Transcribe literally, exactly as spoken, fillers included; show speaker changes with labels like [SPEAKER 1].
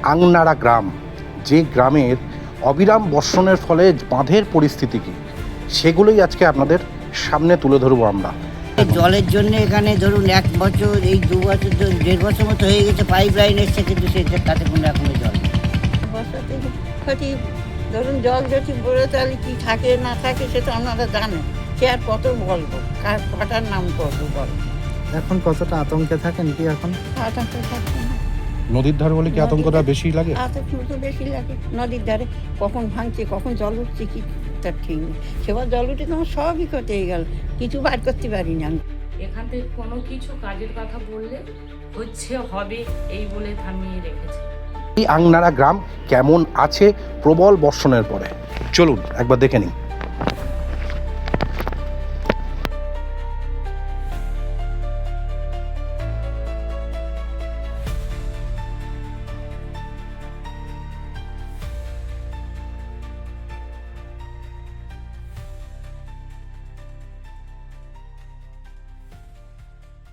[SPEAKER 1] আংনাড়া গ্রাম, যে গ্রামের অবিরাম বর্ষণের ফলে বাঁধের পরিস্থিতি কী, সেগুলোই আজকে আপনাদের সামনে তুলে ধরবো আমরা।
[SPEAKER 2] জলের জন্য এখানে ধরুন এক বছর এই দু বছর দেড় বছর মতো হয়ে গেছে, পাইপ লাইন এসছে কিন্তু সে তাতে কোনো এখনো জল নেই।
[SPEAKER 3] বর্ষাতে ক্ষতি ধরুন জল যদি বলে তাহলে কী থাকে না থাকে সে তো আপনারা জানেন, সে আর কত বলবো, কার কটার নাম করবো বলো।
[SPEAKER 4] এখন কতটা আতঙ্কে থাকেন কি এখন?
[SPEAKER 3] আতঙ্ক থাকবে না,
[SPEAKER 1] নদীর ধার বলে কি আতঙ্কটা বেশি লাগে?
[SPEAKER 3] আতঙ্ক তো বেশি লাগে। নদীর ধারে কখন ভাঙছে কখন জল উঠছে কি তার ঠিক নেই। সেবার জল উঠে তোমার সবই ক্ষতি হয়ে গেল, কিছু বার করতে পারি না আমি।
[SPEAKER 5] এখান থেকে কোনো কিছু কাজের কথা বললে হচ্ছে হবে এই বলে থামিয়ে রেখেছে।
[SPEAKER 1] এই আংনাড়া গ্রাম কেমন আছে প্রবল বর্ষণের পরে, চলুন একবার দেখে নিই।